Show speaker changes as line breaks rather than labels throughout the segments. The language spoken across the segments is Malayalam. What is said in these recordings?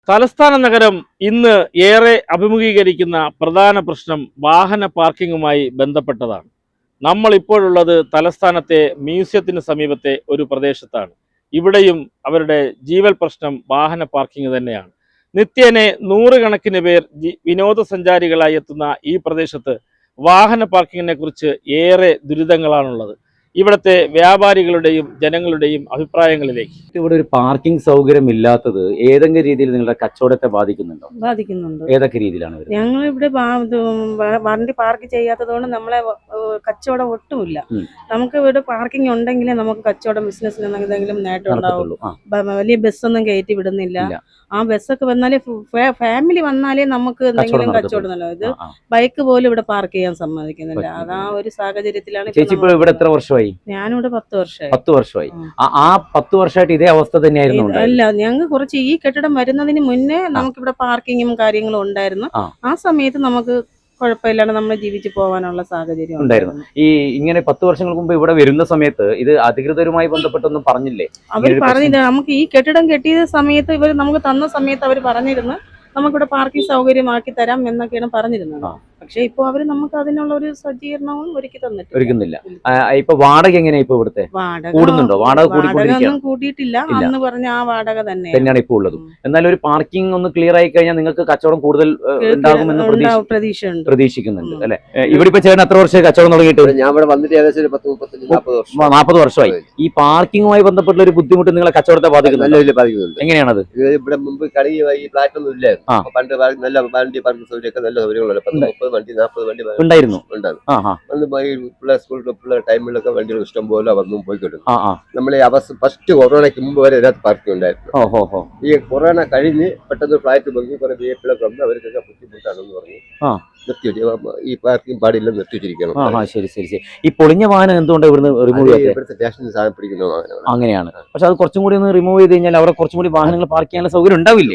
തലസ്ഥാന നഗരം ഇന്ന് ഏറെ അഭിമുഖീകരിക്കുന്ന പ്രധാന പ്രശ്നം വാഹന പാർക്കിങ്ങുമായി ബന്ധപ്പെട്ടതാണ്. നമ്മൾ ഇപ്പോഴുള്ളത് തലസ്ഥാനത്തെ മ്യൂസിയത്തിന് സമീപത്തെ ഒരു പ്രദേശത്താണ്. ഇവിടെയും അവരുടെ ജീവൽ പ്രശ്നം വാഹന പാർക്കിംഗ് തന്നെയാണ്. നിത്യേനെ നൂറുകണക്കിന് പേർ വിനോദസഞ്ചാരികളായി എത്തുന്ന ഈ പ്രദേശത്ത് വാഹന പാർക്കിങ്ങിനെ കുറിച്ച് ഏറെ ദുരിതങ്ങളാണുള്ളത്. ഇവിടുത്തെ വ്യാപാരികളുടെയും ജനങ്ങളുടെയും അഭിപ്രായങ്ങളിലേക്ക്.
ഇവിടെ ഒരു പാർക്കിംഗ് സൗകര്യം ഇല്ലാത്തത് ഏതെങ്കിലും രീതിയിൽ നിങ്ങളുടെ കച്ചവടത്തെ ബാധിക്കുന്നുണ്ടോ?
ബാധിക്കുന്നുണ്ട്.
ഏതൊക്കെ രീതിയിലാണ് വരുന്നത്?
ഞങ്ങൾ ഇവിടെ വണ്ടി പാർക്ക് ചെയ്യാത്തതുകൊണ്ട് നമ്മളെ കച്ചവടം ഒട്ടുമില്ല. നമുക്ക് ഇവിടെ പാർക്കിംഗ് ഉണ്ടെങ്കിലേ നമുക്ക് കച്ചവടം ബിസിനസ്സിന് എന്തെങ്കിലും നേട്ടം ഉണ്ടാവുള്ളൂ. വലിയ ബസ്സൊന്നും കയറ്റി വിടുന്നില്ല. ആ ബസ്സൊക്കെ വന്നാലേ ഫാമിലി വന്നാലേ നമുക്ക് എന്തെങ്കിലും കച്ചവടം നല്ലത്. ഇത് ബൈക്ക് പോലും ഇവിടെ പാർക്ക് ചെയ്യാൻ സമ്മതിക്കുന്നില്ല. അതാ ഒരു സാഹചര്യത്തിലാണ്.
ചേച്ചി ഇപ്പോൾ ഇവിടെ എത്ര വർഷമായി?
ഞാനിവിടെ 10 വർഷമായി.
10 വർഷമായി. ആ 10 വർഷമായിട്ട് ഇതേ അവസ്ഥ തന്നെയായിരുന്നു?
അല്ല, ഞങ്ങൾ കുറച്ച് ഈ കെട്ടിടം വരുന്നതിന് മുന്നേ നമുക്കിവിടെ പാർക്കിങ്ങും കാര്യങ്ങളും ഉണ്ടായിരുന്നു. ആ സമയത്ത് നമുക്ക് കുഴപ്പമില്ലാണ്ട് നമ്മൾ ജീവിച്ചു പോകാനുള്ള സാഹചര്യം
ഉണ്ടായിരുന്നു. ഈ ഇങ്ങനെ 10 വർഷങ്ങൾക്ക് മുമ്പ് ഇവിടെ വരുന്ന സമയത്ത് ഇത് അധികൃതരുമായി ബന്ധപ്പെട്ടൊന്നും പറഞ്ഞില്ലേ?
അവർ പറഞ്ഞില്ല. നമുക്ക് ഈ കെട്ടിടം കെട്ടിയ സമയത്ത് ഇവർ നമുക്ക് തന്ന സമയത്ത് അവർ പറഞ്ഞിരുന്നു നമുക്കിവിടെ പാർക്കിംഗ് സൗകര്യമാക്കി തരാം എന്നൊക്കെയാണ് പറഞ്ഞിരുന്നത്. പക്ഷെ ഇപ്പൊ അവര് നമുക്ക് അതിനുള്ള ഒരു സജ്ജീകരണവും ഒരുക്കുന്നില്ല.
ഇപ്പൊ വാടക എങ്ങനെയാ ഇപ്പൊ ഇവിടുത്തെ? കൂടുന്നുണ്ടോ? വാടക
ഒന്നും കൂട്ടിയിട്ടില്ല. അന്ന് പറഞ്ഞ ആ വാടക
തന്നെയാണ് ഇപ്പൊ ഉള്ളത്. എന്നാലും ഒരു പാർക്കിംഗ് ഒന്ന് ക്ലിയർ ആയി കഴിഞ്ഞാൽ നിങ്ങൾക്ക് കച്ചവടം കൂടുതൽ ഉണ്ടാകുമെന്ന് പ്രതീക്ഷിക്കുന്നുണ്ട് അല്ലെ? ഇവിടെ ഇപ്പൊ ചേട്ടൻ എത്ര വർഷം കച്ചവടം തുടങ്ങിയിട്ട്?
ഞാൻ ഇവിടെ വന്നിട്ട് ഏകദേശം
40 വർഷമായി. ഈ പാർക്കിങ്ങുമായി ബന്ധപ്പെട്ടുള്ള ഒരു ബുദ്ധിമുട്ട് നിങ്ങളെ കച്ചവടത്തെ ബാധിക്കുന്നുണ്ട്. എങ്ങനെയാണത്?
ഇവിടെ മുമ്പ് കളി പ്ലാറ്റ് ഒന്നും ഇല്ലായിരുന്നു. പണ്ട് നല്ല വണ്ടി പാർക്കിംഗ് സൗകര്യമൊക്കെ നല്ല സൗകര്യങ്ങളുണ്ട്. 30 വണ്ടി 40 വണ്ടി
ഉണ്ടായിരുന്നു.
പിള്ളേർ സ്കൂളിൽ പിള്ളേർ ടൈമിലൊക്കെ വണ്ടികൾ ഇഷ്ടം പോലെ വന്നും പോയിക്കൊണ്ടിരുന്നു. നമ്മൾ ഫസ്റ്റ് കൊറോണയ്ക്ക് മുമ്പ് വരെ ഇതിനകത്ത് പാർക്കിംഗ് ഉണ്ടായിരുന്നു. ഈ കൊറോണ കഴിഞ്ഞ് പെട്ടെന്ന് ഫ്ലാറ്റ് പൊങ്ങി കുറെ വിഎപ്പിലൊക്കെ വന്ന് അവർക്കൊക്കെ ബുദ്ധിമുട്ടാണെന്ന് പറഞ്ഞു ഈ പാർക്കിംഗ് പാടില്ല നിർത്തിവെച്ചിരിക്കണം.
ശരി ശരി ശരി. ഈ പൊളിഞ്ഞ വാഹനം എന്തുകൊണ്ട് ഇവിടുന്ന് റിമൂവ് ചെയ്യാതെ?
ഇവിടുത്തെ സ്റ്റേഷനിൽ സാധനം പിടിക്കുന്ന വാഹനമാണ്.
അങ്ങനെയാണ്. പക്ഷെ അത് കുറച്ചും കൂടി ഒന്ന് റിമൂവ് ചെയ്ത് കഴിഞ്ഞാൽ അവിടെ കുറച്ചും കൂടി വാഹനങ്ങൾ പാർക്ക് ചെയ്യാനുള്ള സൗകര്യം ഉണ്ടാവില്ലേ?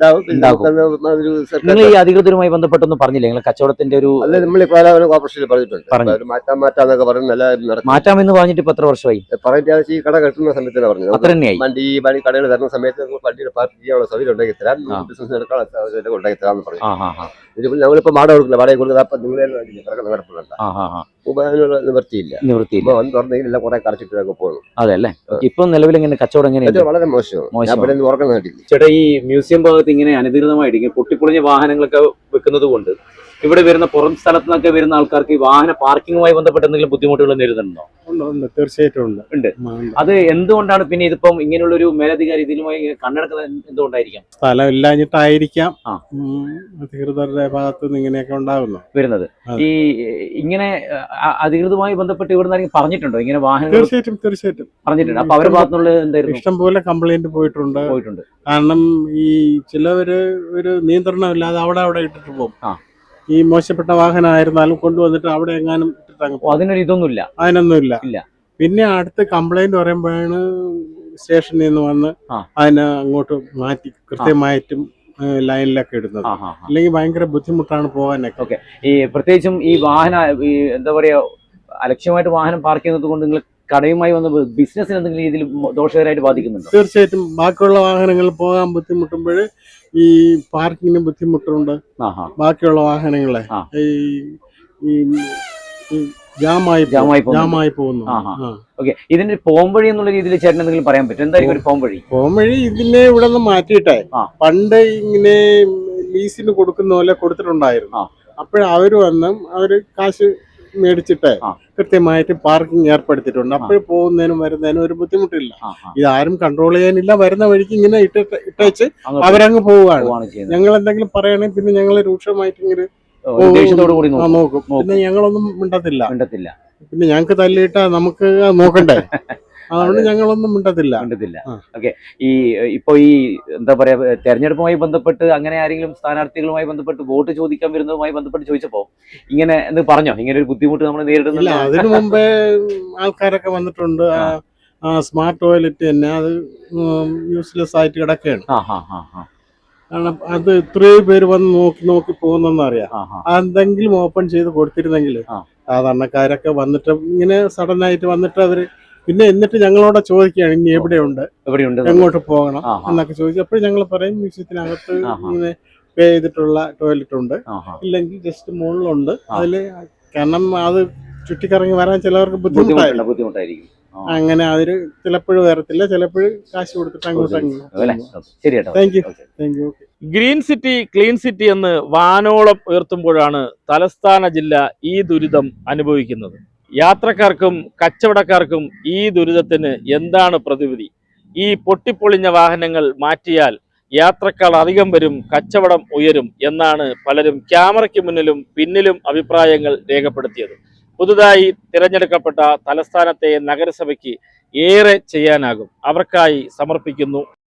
നിങ്ങൾ ഈ അധികൃതരുമായി ബന്ധപ്പെട്ടൊന്നും പറഞ്ഞില്ലേ? നിങ്ങൾ കച്ചവടത്തിന്റെ ഒരു
നമ്മൾ കോർപ്പറേഷനിൽ പറഞ്ഞിട്ടുണ്ട് മാറ്റാന്നൊക്കെ പറഞ്ഞ് നല്ല
മാറ്റാമെന്ന് പറഞ്ഞിട്ട് ഇപ്പൊ എത്ര വർഷമായി?
പറഞ്ഞ ഈ കട കെട്ടുന്ന സമയത്താണ് പറഞ്ഞത്.
അത്ര തന്നെയായി.
വണ്ടി ഈ വണ്ടി കടകൾ തരുന്ന സമയത്ത് വണ്ടിയുടെ പാർക്ക് ചെയ്യാനുള്ള സൗകര്യം ഉണ്ടാക്കി തരാം, ബിസിനസ് എടുക്കാനുള്ള സൗകര്യം ഉണ്ടാക്കി തരാമെന്ന് പറഞ്ഞു. ഞങ്ങളിപ്പോ വാടക കൊടുക്കില്ല. വാടക കൊടുക്കുക അപ്പൊ നിങ്ങളെ നിവൃത്തിയില്ല. വന്ന് തുറന്നെങ്കിൽ എല്ലാം കുറെ കടച്ചിട്ടൊക്കെ പോകുന്നു.
അതെ അല്ലേ? ഇപ്പൊ നിലവിൽ എങ്ങനെ കച്ചവടം എങ്ങനെയാണ്?
വളരെ മോശമാണ്. ഉറക്കം കേട്ടില്ല
ചേട്ടാ. ഈ മ്യൂസിയം ഭാഗത്ത് ഇങ്ങനെ അനധികൃതമായിട്ട് പൊട്ടിപ്പൊളിഞ്ഞ വാഹനങ്ങളൊക്കെ വെക്കുന്നത് കൊണ്ട് ഇവിടെ വരുന്ന പുറം സ്ഥലത്ത് നിന്നൊക്കെ വരുന്ന ആൾക്കാർക്ക് ഈ വാഹന പാർക്കിങ്ങുമായി ബന്ധപ്പെട്ട് എന്തെങ്കിലും ബുദ്ധിമുട്ടുകൾ നേരിടുന്നുണ്ടോ?
തീർച്ചയായിട്ടും
ഉണ്ട്. അത് എന്തുകൊണ്ടാണ് പിന്നെ ഇതിപ്പം ഇങ്ങനെയുള്ള ഒരു മേലധികാരി ഇതിലുമായി കണ്ണെടുക്കുന്നത് എന്തുകൊണ്ടായിരിക്കാം?
സ്ഥലം ഇല്ലാഞ്ഞിട്ടായിരിക്കാം അധികൃതരുടെ ഭാഗത്ത് നിന്ന് ഇങ്ങനെയൊക്കെ
വരുന്നത്. ഈ ഇങ്ങനെ അധികൃതമായി ബന്ധപ്പെട്ട് ഇവിടെ നിന്ന് പറഞ്ഞിട്ടുണ്ടോ ഇങ്ങനെ വാഹനം?
തീർച്ചയായിട്ടും
പറഞ്ഞിട്ടുണ്ട്. അപ്പൊ അവരുടെ ഭാഗത്തുനിന്നുള്ള എന്തായാലും
ഇഷ്ടംപോലെ കംപ്ലൈന്റ് പോയിട്ടുണ്ട്. കാരണം ഈ ചിലവര് ഒരു നിയന്ത്രണം ഇല്ലാതെ അവിടെ ഇട്ടിട്ട് പോകും. ഈ മോശപ്പെട്ട വാഹനമായിരുന്നാലും കൊണ്ടുവന്നിട്ട് അവിടെ എങ്ങാനും അതിനൊന്നുമില്ല. പിന്നെ അടുത്ത് കംപ്ലൈന്റ് പറയുമ്പോഴാണ് സ്റ്റേഷനിൽ നിന്ന് വന്ന് അതിനെ അങ്ങോട്ട് മാറ്റി കൃത്യമായിട്ടും ലൈനിലൊക്കെ ഇടുന്നത്. അല്ലെങ്കിൽ ഭയങ്കര ബുദ്ധിമുട്ടാണ് പോകാനൊക്കെ.
ഈ പ്രത്യേകിച്ചും ഈ വാഹന എന്താ പറയാ അലക്ഷ്യമായിട്ട് വാഹനം പാർക്ക് ചെയ്യുന്നത് കൊണ്ട് നിങ്ങൾ കടയുമായി വന്ന് ബിസിനസ്സിന് എന്തെങ്കിലും രീതിയിൽ ദോഷകരമായിട്ട് ബാധിക്കുന്നുണ്ടോ?
തീർച്ചയായിട്ടും. ബാക്കിയുള്ള വാഹനങ്ങൾ പോകാൻ ബുദ്ധിമുട്ടുമ്പോൾ ഈ പാർക്കിങ്ങിന് ബുദ്ധിമുട്ടുണ്ട്. ബാക്കിയുള്ള വാഹനങ്ങളെ ജാമായി പോകുന്നു.
ഇതിന്റെ പോംവഴി എന്നുള്ള രീതിയിൽ ചേട്ടൻ എന്തെങ്കിലും പറയാൻ പറ്റും? എന്തായിരിക്കും ഒരു
പോംവഴി? ഇതിനെ ഇവിടെ നിന്ന് മാറ്റിയിട്ടെ പണ്ട് ഇങ്ങനെ ലീസിന് കൊടുക്കുന്ന പോലെ കൊടുത്തിട്ടുണ്ടായിരുന്നു. അപ്പോഴവര് വന്ന് അവര് കാശ് മേടിച്ചിട്ട് കൃത്യമായിട്ട് പാർക്കിംഗ് ഏർപ്പെടുത്തിയിട്ടുണ്ട്. അപ്പോൾ പോകുന്നതിനും വരുന്നതിനും ഒരു ബുദ്ധിമുട്ടില്ല. ഇതാരും കൺട്രോൾ ചെയ്യാനില്ല. വരുന്ന വഴിക്ക് ഇങ്ങനെ ഇട്ടേച്ച് അവരങ്ങ് പോവുകയാണ്. ഞങ്ങൾ എന്തെങ്കിലും പറയുകയാണെങ്കിൽ പിന്നെ ഞങ്ങൾ രൂക്ഷമായിട്ട് ഇങ്ങനെ നോക്കും. പിന്നെ ഞങ്ങളൊന്നും മിണ്ടത്തില്ല. പിന്നെ ഞങ്ങൾക്ക് തല്ലിയിട്ടാ നമുക്ക് നോക്കണ്ടേ? അതുകൊണ്ട് ഞങ്ങളൊന്നും മിണ്ടത്തില്ല.
ഈ ഇപ്പൊ ഈ എന്താ പറയാ തെരഞ്ഞെടുപ്പുമായി ബന്ധപ്പെട്ട് അങ്ങനെ ആരെങ്കിലും സ്ഥാനാർത്ഥികളുമായി ബന്ധപ്പെട്ട് വോട്ട് ചോദിക്കാൻ വരുന്നതുമായി ബന്ധപ്പെട്ട് ചോദിച്ചപ്പോ ഇങ്ങനെ എന്ന് പറഞ്ഞോ ഇങ്ങനെ ഒരു ബുദ്ധിമുട്ട് നമ്മൾ നേരിടുന്നില്ല?
അതിനു മുമ്പേ ആൾക്കാരൊക്കെ വന്നിട്ടുണ്ട്. സ്മാർട്ട് ടോയ്ലറ്റ് തന്നെ അത് യൂസ്ലെസ് ആയിട്ട് കിടക്കുകയാണ്. കാരണം അത് ഇത്രയും പേര് വന്ന് നോക്കി പോകുന്നറിയാം. എന്തെങ്കിലും ഓപ്പൺ ചെയ്ത് കൊടുത്തിരുന്നെങ്കിൽ സാധാരണക്കാരൊക്കെ വന്നിട്ട് ഇങ്ങനെ സഡൻ ആയിട്ട് വന്നിട്ട് അവര് പിന്നെ എന്നിട്ട് ഞങ്ങളോട് ചോദിക്കുകയാണ് ഇനി എവിടെയുണ്ട്,
എവിടെയുണ്ട്
എങ്ങോട്ട് പോകണം
ആഹാ.
എന്നൊക്കെ ചോദിച്ചു. അപ്പോൾ ഞങ്ങൾ പറയും മ്യൂസിയത്തിനകത്ത്
ആഹാ.
ഇങ്ങനെ പേ ചെയ്തിട്ടുള്ള ടോയ്ലറ്റ് ഉണ്ട്,
ആഹാ.
ഇല്ലെങ്കിൽ ജസ്റ്റ് മുകളിലുണ്ട്.
ആ.
അതിൽ കാരണം അത് ചുറ്റിക്കറങ്ങി വരാൻ ചിലവർക്ക് ബുദ്ധിമുട്ടായിരിക്കും.
ബുദ്ധിമുട്ടായിരിക്കും.
അങ്ങനെ അതിന് ചിലപ്പോഴും വരത്തില്ല, ചിലപ്പോഴും കാശ് കൊടുത്തിട്ട് അങ്ങോട്ട്
അല്ലേ? ശരി കേട്ടോ.
Thank you.
Green city clean city എന്ന് വാനോളം ഉയർത്തുമ്പോഴാണ് തലസ്ഥാന ജില്ല ഈ ദുരിതം അനുഭവിക്കുന്നത്. യാത്രക്കാർക്കും കച്ചവടക്കാർക്കും ഈ ദുരിതത്തിന് എന്താണ് പ്രതിവിധി? ഈ പൊട്ടിപ്പൊളിഞ്ഞ വാഹനങ്ങൾ മാറ്റിയാൽ യാത്രക്കാർ അധികം വരും, കച്ചവടം ഉയരും എന്നാണ് പലരും ക്യാമറയ്ക്ക് മുന്നിലും പിന്നിലും അഭിപ്രായങ്ങൾ രേഖപ്പെടുത്തിയത്. പുതുതായി തിരഞ്ഞെടുക്കപ്പെട്ട തലസ്ഥാനത്തെ നഗരസഭയ്ക്ക് ഏറെ ചെയ്യാനാകും. അവർക്കായി സമർപ്പിക്കുന്നു